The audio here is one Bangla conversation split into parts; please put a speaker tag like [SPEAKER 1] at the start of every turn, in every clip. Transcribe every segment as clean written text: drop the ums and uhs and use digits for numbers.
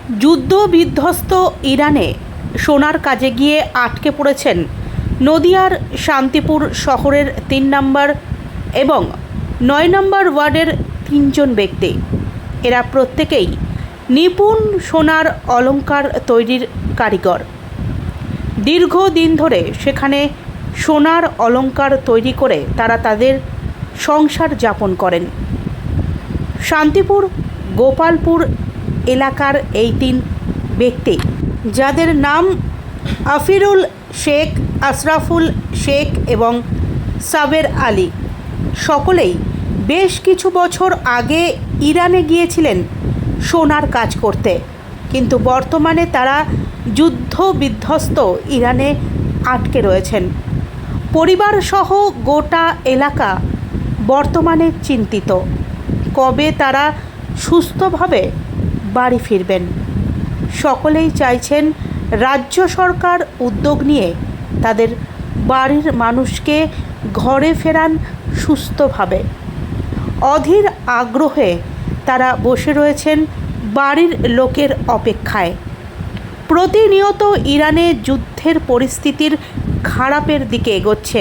[SPEAKER 1] যুদ্ধ বিধ্বস্ত ইরানে সোনার কাজে গিয়ে আটকে পড়েছেন নদিয়ার শান্তিপুর শহরের 3 নম্বর এবং 9 নম্বর ওয়ার্ডের 3 জন ব্যক্তি। এরা প্রত্যেকেই নিপুণ সোনার অলংকার তৈরির কারিগর। দীর্ঘদিন ধরে সেখানে সোনার অলংকার তৈরি করে তারা তাদের সংসার যাপন করেন। শান্তিপুর গোপালপুর এলাকার এই 3 ব্যক্তি, যাদের নাম আফিরুল শেখ, আশরাফুল শেখ এবং সাবের আলী, সকলেই বেশ কিছু বছর আগে ইরানে গিয়েছিলেন সোনার কাজ করতে, কিন্তু বর্তমানে তারা যুদ্ধ বিধ্বস্ত ইরানে আটকে রয়েছেন। পরিবারসহ গোটা এলাকা বর্তমানে চিন্তিত, কবে তারা সুস্থভাবে বাড়ি ফিরবেন। সকলেই চাইছেন রাজ্য সরকার উদ্যোগ নিয়ে তাদের বাড়ির মানুষকে ঘরে ফেরান সুস্থভাবে। অধীর আগ্রহে তারা বসে রয়েছেন বাড়ির লোকের অপেক্ষায়। প্রতিনিয়ত ইরানে যুদ্ধের পরিস্থিতির খারাপের দিকে এগোচ্ছে,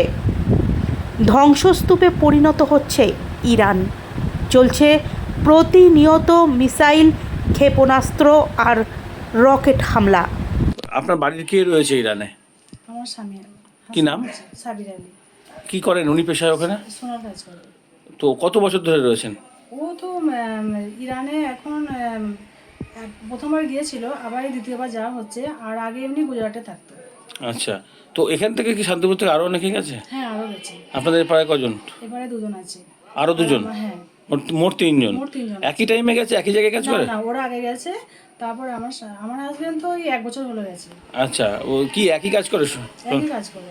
[SPEAKER 1] ধ্বংসস্তূপে পরিণত হচ্ছে ইরান। চলছে প্রতিনিয়ত মিসাইল, ক্ষেপণাস্ত্র আর রকেট হামলা।
[SPEAKER 2] আপনার বাড়ির কে রয়েছে ইরানে?
[SPEAKER 3] আমার স্বামী।
[SPEAKER 2] কি নাম?
[SPEAKER 3] সাবির আলী।
[SPEAKER 2] কি করেন উনি পেশায় ওখানে?
[SPEAKER 3] সোনার কাজ করে।
[SPEAKER 2] তো কত বছর ধরে রয়েছেন?
[SPEAKER 3] ও তো ইরানে এখন প্রথমবার গিয়েছিল, আবার এই দ্বিতীয়বার যাওয়া হচ্ছে, আর আগে এমনি গুজরাটে থাকতো।
[SPEAKER 2] আচ্ছা, তো এখান থেকে কি শান্তিপুর থেকে আরও অনেকে গেছে?
[SPEAKER 3] হ্যাঁ, আরও গেছে।
[SPEAKER 2] আপনাদের প্রায় কজন?
[SPEAKER 3] এবারে 2 জন আছে।
[SPEAKER 2] আরও 2 জন?
[SPEAKER 3] হ্যাঁ,
[SPEAKER 2] মোট 3 জন।
[SPEAKER 3] মোট 3 জন।
[SPEAKER 2] একই টাইমে গেছে, একই জায়গায় কাজ করে?
[SPEAKER 3] না, ওরা আগে গেছে, তারপরে আমার হাজবেন্ড তো 1 বছর হলো গেছে।
[SPEAKER 2] আচ্ছা, ও কি একই কাজ করে?
[SPEAKER 3] একই কাজ করে।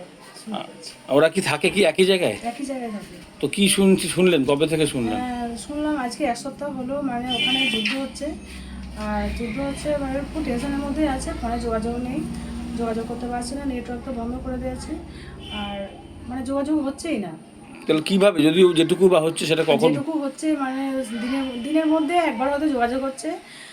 [SPEAKER 2] ওরা কি থাকে কি একই জায়গায়?
[SPEAKER 3] একই জায়গায় থাকে।
[SPEAKER 2] তো কি শুনলেন, কবে থেকে শুনলেন?
[SPEAKER 3] শুনলাম আজকে 1 সপ্তাহ হলো, মানে ওখানে যুদ্ধ হচ্ছে, আর যুদ্ধ হচ্ছে মানে খুব টেনশনের মধ্যেই আছে। ফোনে যোগাযোগ নেই, যোগাযোগ করতে পারছি না, নেটওয়ার্ক তো বন্ধ করে দিয়েছে, আর মানে যোগাযোগ হচ্ছেই না।
[SPEAKER 2] তাহলে কীভাবে, যদি যেটুকু বা হচ্ছে সেটা কখন?
[SPEAKER 3] যেটুকু হচ্ছে মানে দিনের মধ্যে একবার হয়তো যোগাযোগ হচ্ছে,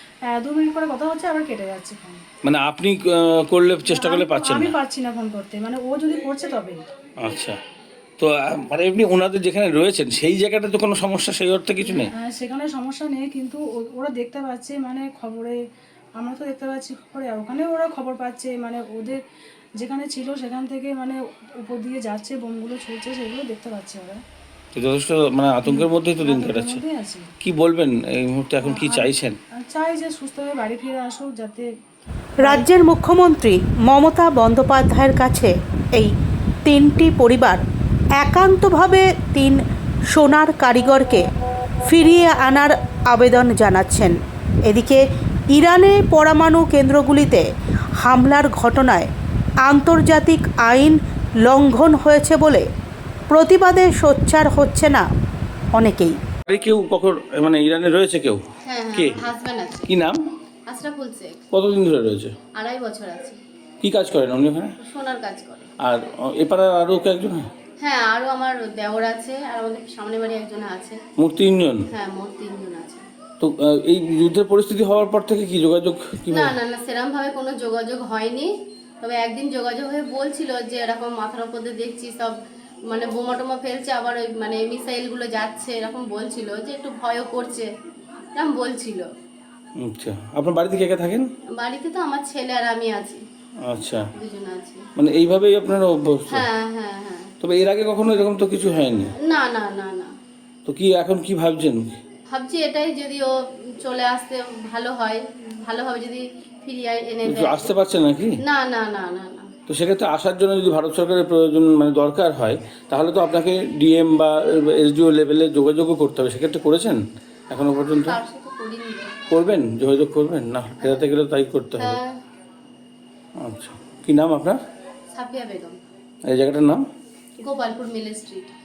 [SPEAKER 3] 2 মিনিট পরে কথা হচ্ছে, আবার কেটে যাচ্ছে ফোন।
[SPEAKER 2] মানে আপনি করলে, চেষ্টা করলে পাচ্ছেন
[SPEAKER 3] আমি
[SPEAKER 2] না?
[SPEAKER 3] পারছি না ফোন করতে, মানে ও যদি করছে তবে।
[SPEAKER 2] আচ্ছা, তো মানে এমনি ওনাদের যেখানে রয়েছেন সেই জায়গাটা তো কোনো সমস্যা সেই অর্থে কিছু নেই?
[SPEAKER 3] সেখানে সমস্যা নেই, কিন্তু ওরা দেখতে পাচ্ছে, মানে খবরে, আমরা তো দেখতে পাচ্ছি খবরে, আর ওখানে ওরা খবর পাচ্ছে, মানে ওদের যেখানে ছিল সেখান থেকে মানে উপর দিয়ে যাচ্ছে, বোমগুলো ছুটছে, সেগুলো দেখতে পাচ্ছে ওরা।
[SPEAKER 2] তো যথেষ্ট মানে আতঙ্কের মধ্যেই তো দিন কাটাচ্ছে। কি বলবেন এই মুহূর্তে, এখন কি চাইছেন?
[SPEAKER 3] চাই যে সুস্থভাবে বাড়ি ফিরে আসুক, যাতে।
[SPEAKER 1] রাজ্যের মুখ্যমন্ত্রী মমতা বন্দ্যোপাধ্যায়ের কাছে এই 3টি পরিবার একান্তভাবে 3 সোনার কারিগরকে ফিরিয়ে আনার আবেদন জানাচ্ছেন। এদিকে ইরানে পরমাণু কেন্দ্রগুলিতে হামলার ঘটনায় আন্তর্জাতিক আইন লঙ্ঘন হয়েছে বলে প্রতিবাদে সোচ্চার হচ্ছে না অনেকেই।
[SPEAKER 2] কেউ কখন মানে ইরানে রয়েছে কেউ?
[SPEAKER 4] হ্যাঁ,
[SPEAKER 2] কে?
[SPEAKER 4] হাজবেন্ড আছে।
[SPEAKER 2] কি নাম?
[SPEAKER 4] আশরাফুল শেখ।
[SPEAKER 2] কতদিন ধরে রয়েছে?
[SPEAKER 4] 2.5 বছর আছে।
[SPEAKER 2] কি কাজ করেন উনি ওখানে?
[SPEAKER 4] সোনার কাজ করে।
[SPEAKER 2] আর এপারে আরও কয়েকজন?
[SPEAKER 4] হ্যাঁ, আরও আমার দেওর আছে, আর আমাদের সামনে বাড়ি একজন আছে।
[SPEAKER 2] মোট 3 জন?
[SPEAKER 4] হ্যাঁ, মোট 3 জন আছে।
[SPEAKER 2] তো এই যুদ্ধের পরিস্থিতি হওয়ার পর থেকে কি যোগাযোগ
[SPEAKER 4] না না না, সেরকমভাবে কোনো যোগাযোগ হয়নি। তবে একদিন যোগাযোগ হয়ে বলছিল যে এরকম মাথার উপর দিয়ে দেখছি সব মানে বোমা টোমা ফেলছে, আবার ওই মানে মিসাইলগুলো যাচ্ছে, এরকম বলছিল, যে একটু ভয়ও করছে, এরকম বলছিল।
[SPEAKER 2] আচ্ছা, আপনার বাড়িতে কে কে থাকেন?
[SPEAKER 4] বাড়িতে তো আমার ছেলে আর আমি আছি।
[SPEAKER 2] আচ্ছা,
[SPEAKER 4] 2 জন আছি।
[SPEAKER 2] মানে এইভাবেই আপনারা অভ্যস্ত?
[SPEAKER 4] হ্যাঁ হ্যাঁ হ্যাঁ।
[SPEAKER 2] তবে এর আগে কখনো এরকম তো কিছু হয়নি?
[SPEAKER 4] না না না না।
[SPEAKER 2] তো কি এখন কি ভাবছেন?
[SPEAKER 4] ভাবছি এটাই, যদি ও চলে আসতে ভালো হয়, ভালোভাবে যদি ফিরিয়ে এনে
[SPEAKER 2] একটু
[SPEAKER 4] দেয়।
[SPEAKER 2] আসতে পারছেন নাকি?
[SPEAKER 4] না না না না না।
[SPEAKER 2] তো সেক্ষেত্রে আসার জন্য যদি ভারত সরকারের প্রয়োজন মানে দরকার হয়, তাহলে তো আপনাকে ডিএম বা এসডিও লেভেলে যোগাযোগও করতে হবে। সেক্ষেত্রে করেছেন এখনো পর্যন্ত?
[SPEAKER 4] তার সাথে করিনি।
[SPEAKER 2] করবেন, যোগাযোগ করবেন না? ফেরাতে গেলে তাই করতে হবে।
[SPEAKER 4] হ্যাঁ।
[SPEAKER 2] আচ্ছা, কি নাম আপনার?
[SPEAKER 4] সাফিয়া বেগম।
[SPEAKER 2] এই জায়গাটার নাম?
[SPEAKER 4] Gopalpur mill street.